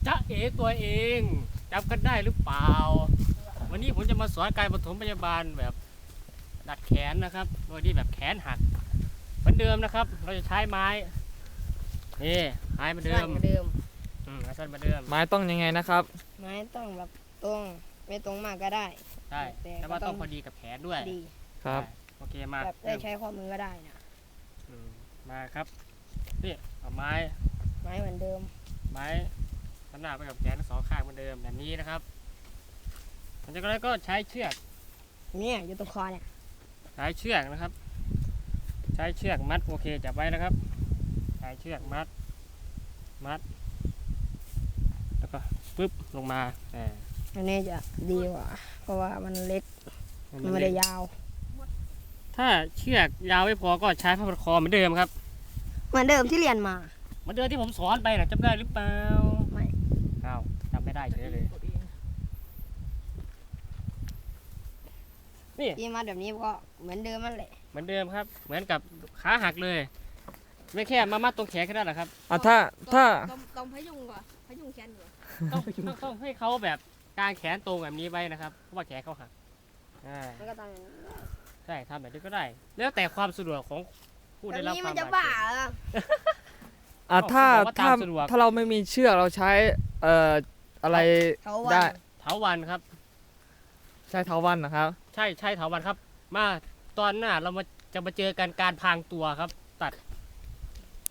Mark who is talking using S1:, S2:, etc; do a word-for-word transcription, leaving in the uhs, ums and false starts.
S1: จ๊ะเอ๋ตัวเองจำกันได้หรือเปล่าวันนี้ผมจะมาสอนการปฐมพยาบาลแบบดัดแขนนะครับโดยที่แบบแขนหักเหมือนเดิมนะครับ เราจะใช้ไม้นี่ไม้เหมือนเดิ
S2: สั้น
S1: ม
S2: เหมือนเดิม
S1: อืมไม้สั้นเหมือนเดิม
S3: ไม้ต้องยังไงนะครับ
S2: ไม้ต้องแบบตรงไม่ตรงมากก็ได้
S1: ใช่
S2: แต่
S1: แต่ว่า
S2: ก็ต้
S1: ต้
S2: อ
S1: อง งพอดีกับแขนด้วย
S2: ดี
S3: ครับ
S1: ใช่โอเคมา
S2: แบบได้ใช้ข้อมือก็ได้นะ
S1: อืมมาครับนี่เอาไม้
S2: ไม้เหมือนเดิม
S1: ไม้ขนาดไปกับแขนทั้งสองข้างเหมือนเดิมแบบนี้นะครับหลังจากนั้นก็ใช้เชือก
S2: เนี่ยอยู่ตรงคอเนี่ย
S1: ใช้เชือกนะครับ ใช้เชือกมัดโอเคจับไว้นะครับใช้เชือกมัดมัดแล้วก็ปึ๊บลงมาอ่า
S2: อันนี้จะดีกว่า เพราะว่ามันเล็ก
S1: ให้
S2: มัน
S1: น
S2: ไม่ได้ยาว
S1: ถ้าเชือกยาวไม่พอก็ใช้ผ้าพันคอเหมือนเดิมครับ
S2: เหมือนเดิมที่เรียนมา
S1: เหมือนเดิมที่ผมสอนไปนะจำได้หรือเปล่า
S2: ไม่
S1: อ้าวจำไม่ได้เฉยเลยนี่
S2: ที่มาแบบนี้ก็เหมือนเดิมนั่นแหละ
S1: เหมือนเดิมครับ เหมือนกับขาหักเลย ไม่แค่มามัดตรงแขนแค่นั้นแหละครับ
S3: อ่ะถ้าถ้า
S4: ต้องต้องพยุงก่อนพยุงแขนก่อน
S1: ต้องต้องต้องให้เขาแบบกางแขนตรงแบบนี้ไว้นะครับเพราะว่าแขนเขาหักอ่า
S2: มันก็ต้องอย่างนี้
S1: ใช่ทำแบบนี้ก็ได้ แล้วแต่ความสะดวกของผู้
S2: แบ
S1: ได้
S2: บ
S1: รับ
S2: นี้
S1: ค
S2: มั
S1: วาน ม
S2: จะ
S1: บาด
S2: บ้า
S1: เจ็บ
S2: เหรอ
S3: อ่ะถ้า
S1: เขาบอกว่า
S3: ถ้า
S1: ตามสะดวก
S3: ถ้าเราไม่มีเชือกเราใช้เอ่ออะไร
S2: เขาวั
S3: ได้
S2: น
S1: เถาวันครับ
S3: ใช้เท้าวันนะครับ
S1: ใช่ใช่เถาวันครับ มาตอนหน้าเรามาจะมาเจอกันการพรางตัวครับ